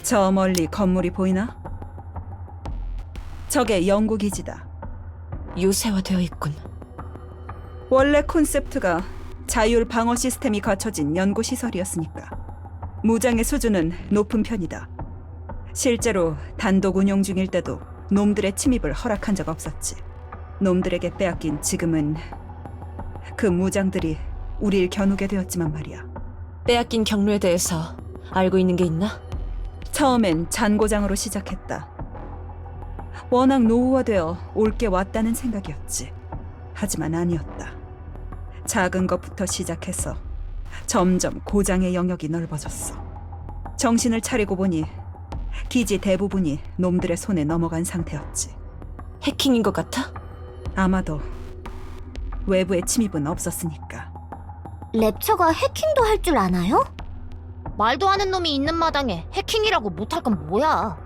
저 멀리 건물이 보이나? 저게 연구기지다. 요새화되어 있군. 원래 콘셉트가 자율 방어 시스템이 갖춰진 연구시설이었으니까 무장의 수준은 높은 편이다. 실제로 단독 운영 중일 때도 놈들의 침입을 허락한 적 없었지. 놈들에게 빼앗긴 지금은 그 무장들이 우릴 겨누게 되었지만 말이야. 빼앗긴 경로에 대해서 알고 있는 게 있나? 처음엔 잔고장으로 시작했다. 워낙 노후화되어 올게 왔다는 생각이었지. 하지만 아니었다. 작은 것부터 시작해서 점점 고장의 영역이 넓어졌어. 정신을 차리고 보니 기지 대부분이 놈들의 손에 넘어간 상태였지. 해킹인 것 같아? 아마도 외부의 침입은 없었으니까. 랩처가 해킹도 할 줄 아나요? 말도 하는 놈이 있는 마당에 해킹이라고 못할 건 뭐야?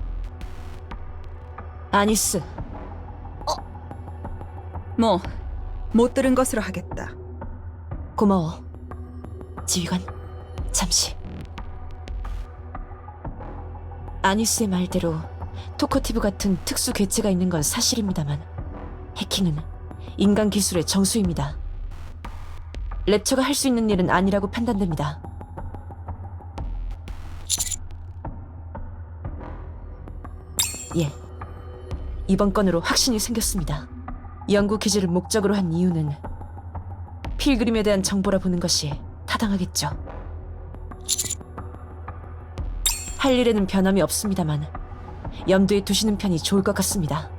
아니스, 뭐 못 들은 것으로 하겠다. 고마워. 지휘관, 잠시. 아니스의 말대로 토커티브 같은 특수 괴체가 있는 건 사실입니다만 해킹은 인간 기술의 정수입니다. 랩처가 할 수 있는 일은 아니라고 판단됩니다. 예, 이번 건으로 확신이 생겼습니다. 연구 기지를 목적으로 한 이유는 필그림에 대한 정보라 보는 것이 타당하겠죠. 할 일에는 변함이 없습니다만 염두에 두시는 편이 좋을 것 같습니다.